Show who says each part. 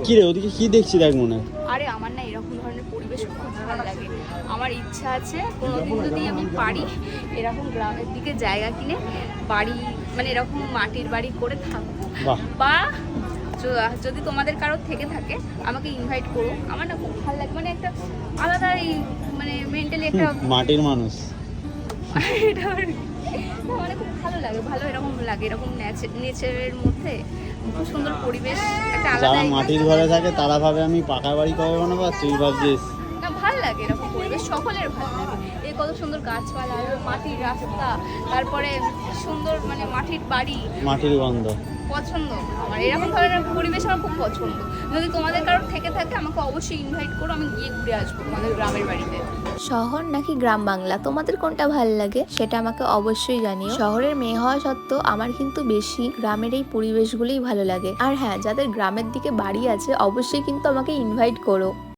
Speaker 1: কি রে ওদিকে কি দেখছি দেখ মনে হয়।
Speaker 2: আরে আমার না এরকম ধরনের পরিবেশ খুব ভালো লাগে। আমার ইচ্ছা আছে কোনোদিন যদি আমি পারি এরকম গ্রামের দিকে জায়গা কিনে বাড়ি, মানে এরকম মাটির বাড়ি করে থাকবো।
Speaker 1: বাহ।
Speaker 2: বা যদি তোমাদের কারোর থেকে থাকে আমাকে ইনভাইট করো। আমার না খুব ভালো লাগে, মানে একটা আলাদাই, মানে মেন্টালি একটা
Speaker 1: মাটির মানুষ।
Speaker 2: এটা মানে খুব ভালো লাগে, ভালো এরকম লাগে, এরকম নেচারের মধ্যে খুব সুন্দর পরিবেশ, একটা
Speaker 1: যারা
Speaker 2: আলাদা
Speaker 1: মাটির ঘরে থাকে তারা ভাবে আমি পাকা বাড়ি কবে বানাবো, আর তুই ভাবছিস
Speaker 2: না ভালো লাগে এরকম পরিবেশ, সকলের ভালো লাগে। এই কত সুন্দর গাছপালা, মাটির রাস্তা, তারপরে সুন্দর মানে মাটির বাড়ি,
Speaker 1: মাটির গন্ধ
Speaker 2: পছন্দ আমার। এরকম ধরনের পরিবেশ আমার খুব পছন্দ। যদি তোমাদের কারোর থেকে থাকে আমাকে অবশ্যই ইনভাইট করো, আমি গিয়ে ঘুরে আসবো তোমাদের গ্রামের বাড়িতে।
Speaker 3: শহর নাকি গ্রাম বাংলা, তোমাদের কোনটা ভালো লাগে সেটা আমাকে অবশ্যই জানিও। শহরের মেয়ে হওয়া সত্ত্বেও আমার কিন্তু বেশি গ্রামের এই পরিবেশগুলোই ভালো লাগে। আর হ্যাঁ, যাদের গ্রামের দিকে বাড়ি আছে অবশ্যই কিন্তু আমাকে ইনভাইট করো।